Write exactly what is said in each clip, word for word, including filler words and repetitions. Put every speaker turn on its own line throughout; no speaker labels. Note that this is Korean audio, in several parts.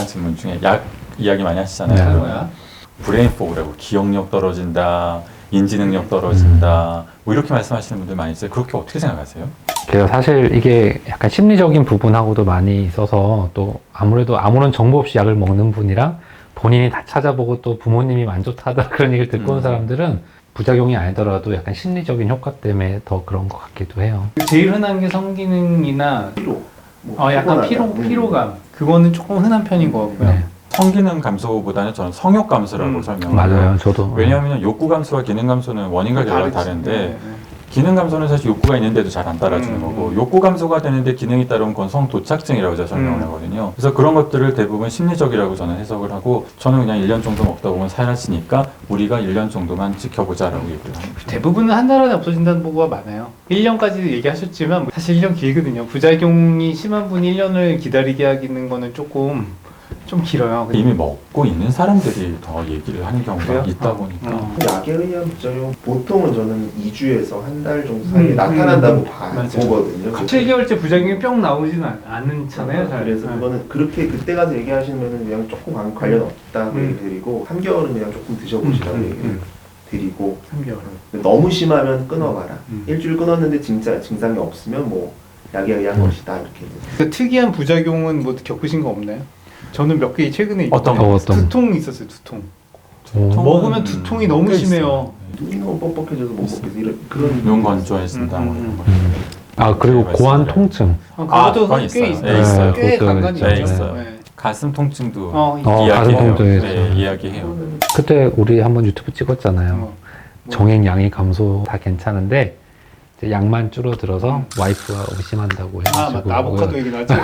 다양한 질문 중에 약 이야기 많이 하시잖아요.
네. 뭐야?
브레인 포그라고 기억력 떨어진다, 인지 능력 떨어진다,
음.
뭐 이렇게 말씀하시는 분들 많이 있어요. 그렇게 어떻게 생각하세요?
그래서 사실 이게 약간 심리적인 부분하고도 많이 있어서 또 아무래도 아무런 정보 없이 약을 먹는 분이랑 본인이 다 찾아보고 또 부모님이 만족하다 그런 얘기를 듣고 온
음.
사람들은 부작용이 아니더라도 약간 심리적인 효과 때문에 더 그런 것 같기도 해요.
제일 흔한 게 성기능이나
피로. 뭐
어, 약간
피곤하다.
피로,
음.
피로감. 그거는 조금 흔한 편인 것 같고요.
네.
성기능 감소보다는 저는 성욕 감소라고
음.
설명을
맞아요.
해요.
저도.
왜냐하면 욕구 감소와 기능 감소는 원인과 결과가
다르지.
다른데
네, 네.
기능 감소는 사실 욕구가 있는데도 잘 안 따라주는
음,
거고
음.
욕구 감소가 되는데 기능이 따라온 건 성도착증이라고 제가 설명을
음.
하거든요. 그래서 그런 것들을 대부분 심리적이라고 저는 해석을 하고 저는 그냥 일 년 정도 먹다 보면 사라지니까 우리가 일 년 정도만 지켜보자라고 얘기를 합니다.
대부분은 한 달 안에 없어진다는 보고가 많아요. 일 년까지 얘기하셨지만 사실 일 년 길거든요. 부작용이 심한 분이 일 년을 기다리게 하기는 거는 조금 좀 길어요.
이미 먹고 있는 사람들이 더 얘기를 하는 경우가
그래요?
있다
어.
보니까
어.
약에 의한 부작용 보통은 저는 이 주에서 한 달 정도 사이에
음,
나타난다고
음,
봐,
맞아요.
보거든요.
칠 개월째 부작용이 뿅 나오지는 않- 않잖아요. 잘.
그래서
네.
그거는 그렇게 그때 가서 얘기하시면 그냥 조금 관- 관련 없다고
음.
얘기 드리고 삼 개월은 그냥 조금 드셔보시라고
음, 음,
얘기를
음.
드리고
삼 개월.
너무 심하면 끊어봐라.
음.
일주일 끊었는데 진짜 증상이 없으면 뭐 약에 의한
음.
것이다 이렇게.
그 특이한 부작용은 뭐 겪으신 거 없나요? 저는 몇 개 최근에
어떤
있거든요.
거, 어떤 거?
두통 있었어요. 두통.
오.
통은
먹으면 두통이 너무
꽤
심해요.
눈이 너무 뻑뻑해져서 못 먹겠어. 이런 그런
눈 건조해진다
음,
뭐
음,
이런 거.
음. 아, 그리고
네,
고환
말씀드려요.
통증.
어,
아,
그것도
그건
꽤
있어요.
있어요.
네, 있어요.
꽤
그것도
간간이
네,
있죠.
있어요.
네.
가슴 통증도
어,
어, 가슴
이야기해요.
통증이
네,
있어요.
이야기해요.
그때 우리 한번 유튜브 찍었잖아요.
어. 뭐.
정액량이 감소 다 괜찮은데 이제 양만 줄어들어서 와이프가 의심한다고
아,
해가지고
맞다. 아보카도 얘기 나왔죠.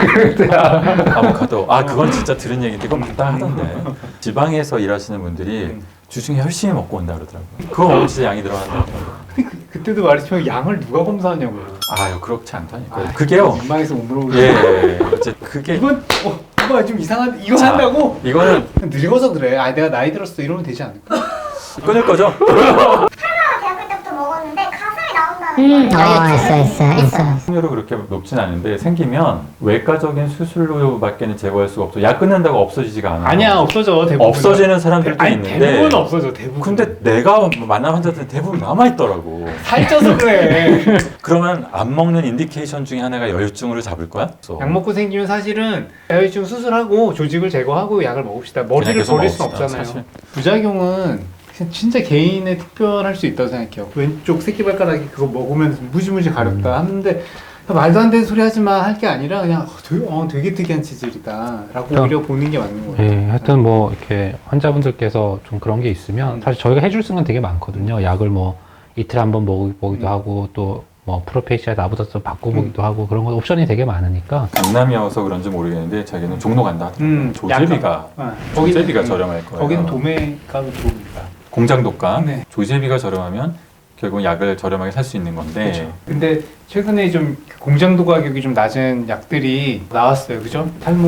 아보카도. 아, 그건 진짜 들은 얘기인데 그건 맞다 하던데. 지방에서 일하시는 분들이
음.
주중에 열심히 먹고 온다 그러더라고요. 그거 먹으면 진짜 양이 들어간다.
근데 그, 그때도 말했지만 양을 누가 검사하냐고요.
아유, 그렇지 않다니까.
아,
그게요.
민망해서 못 물어보고.
예, 예, 예. 어째 그게
이건 어, 이거 좀 이상한 이거
자,
한다고?
이거는
늙어서 그래. 아 내가 나이 들었어 이러면 되지 않을까?
끊을 거죠?
대학교 때부터 먹었는데 가슴이 나온다는 거예요.
어, 있어, 있어, 있어.
확률은 그렇게 높진 않은데 생기면 외과적인 수술로밖에는 제거할 수가 없어. 약 끊는다고 없어지지가 않아.
아니야 없어져 대부분.
없어지는 사람들도
아니
있는데.
대부분 없어져 대부분.
근데 내가 만난 환자들은 대부분 남아 있더라고.
살쪄서 그래.
그러면 안 먹는 인디케이션 중에 하나가 여유증으로 잡을 거야?
약 먹고 생기면 사실은 야외증 수술하고 조직을 제거하고 약을 먹읍시다. 머리를
계속
버릴 수
먹읍시다,
없잖아요.
사실.
부작용은 진짜 개인의 특별할 수 있다고 생각해요. 왼쪽 새끼발가락이 그거 먹으면 무지무지 가렵다 하는데 말도 안 되는 소리 하지 마 할 게 아니라 그냥 어, 되게, 어, 되게 특이한 체질이다 라고
그럼,
오히려 보는 게 맞는 거예요.
예, 하여튼 뭐 이렇게 환자분들께서 좀 그런 게 있으면
음.
사실 저희가 해줄 수는 되게 많거든요. 약을 뭐 이틀에 한 번 먹이기도
음.
하고 또 뭐 프로페시아 나보다 좀 바꿔보기도 하고 그런 거 옵션이 되게 많으니까
강남이어서 그런지 모르겠는데 자기는 종로 간다 하더라고요.
음,
조제비가
아,
조제비가
거기는-
저렴할 거예요.
거기는 도매가도 좋으니까.
공장독감,
네.
조제비가 저렴하면 결국 약을 저렴하게 살 수 있는 건데
그렇죠. 근데 최근에 좀 공장도 가격이 좀 낮은 약들이 나왔어요. 그죠?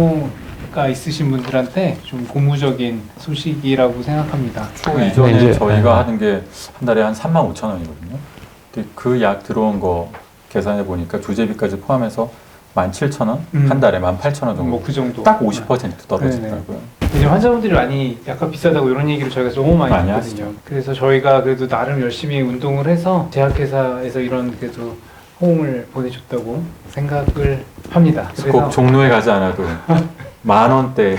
탈모가 있으신 분들한테 좀 고무적인 소식이라고 생각합니다.
초
네.
이전에
네, 이제-
저희가
네.
하는 게 한 달에 한 삼만 오천 원이거든요. 근데 그 약 들어온 거 계산해 보니까 조제비까지 포함해서 만 칠천 원,
음.
한 달에 만 팔천 원 정도.
뭐 그 정도.
딱 오십 퍼센트 떨어지더라고요.
이제 환자분들이 많이 약간 비싸다고 이런 얘기를 저희가 너무 많이
많이
했거든요. 그래서 저희가 그래도 나름 열심히 운동을 해서 제약회사에서 이런 그래도 호응을 보내줬다고 생각을 합니다.
그래서 꼭 종로에 가지 않아도 만 원대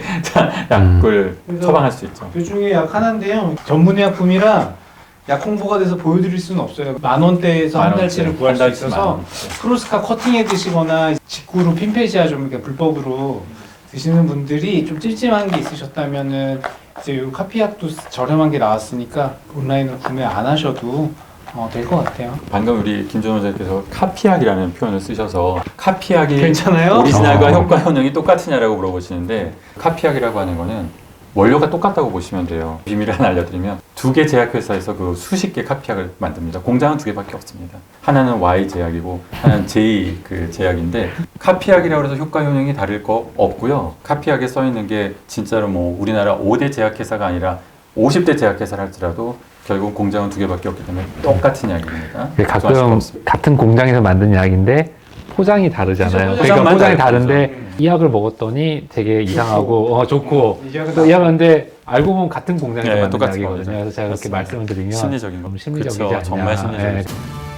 약을
그래서
처방할 수 있죠.
그 중에 약 하나인데요. 전문의약품이라 약 홍보가 돼서 보여드릴 수는 없어요. 만 원대에서 한
만
달치를
원대,
구할
한
수
달치 만
있어서
원대.
크로스카 커팅해 드시거나 직구로 핀페시아 좀 이렇게 불법으로 드시는 분들이 좀 찜찜한 게 있으셨다면은 이제 요 카피약도 저렴한 게 나왔으니까 온라인으로 구매 안 하셔도 어, 될 것 같아요.
방금 우리 김준호 원장님께서 카피약이라는 표현을 쓰셔서 카피약이
괜찮아요?
오리지널과
어.
효과 효능이 똑같으냐라고 물어보시는데 카피약이라고 하는 거는 원료가 똑같다고 보시면 돼요. 비밀을 하나 알려드리면 두 개 제약회사에서 그 수십 개 카피약을 만듭니다. 공장은 두 개밖에 없습니다. 하나는 Y 제약이고 하나는 J 그 제약인데 카피약이라고 해서 효과 효능이 다를 거 없고요. 카피약에 써 있는 게 진짜로 뭐 우리나라 오 대 제약회사가 아니라 오십 대 제약회사를 할지라도 결국 공장은 두 개밖에 없기 때문에 똑같은 약입니다.
이게
걱정하실 거
가끔
없습니다.
같은 공장에서 만든 약인데 포장이 다르잖아요.
그죠,
그러니까
포장만
포장이
다르죠.
다른데 이 약을 먹었더니 되게 이상하고 어, 좋고
이 약은
또 이 약은 근데 알고 보면 같은 공장에서
네,
만든
똑같은
약이거든요.
거죠.
그래서 제가 그렇게
그렇습니다.
말씀을 드리면
심리적인 거.
좀 심리적이지
그쵸,
않냐.
정말 심리적이죠.
예.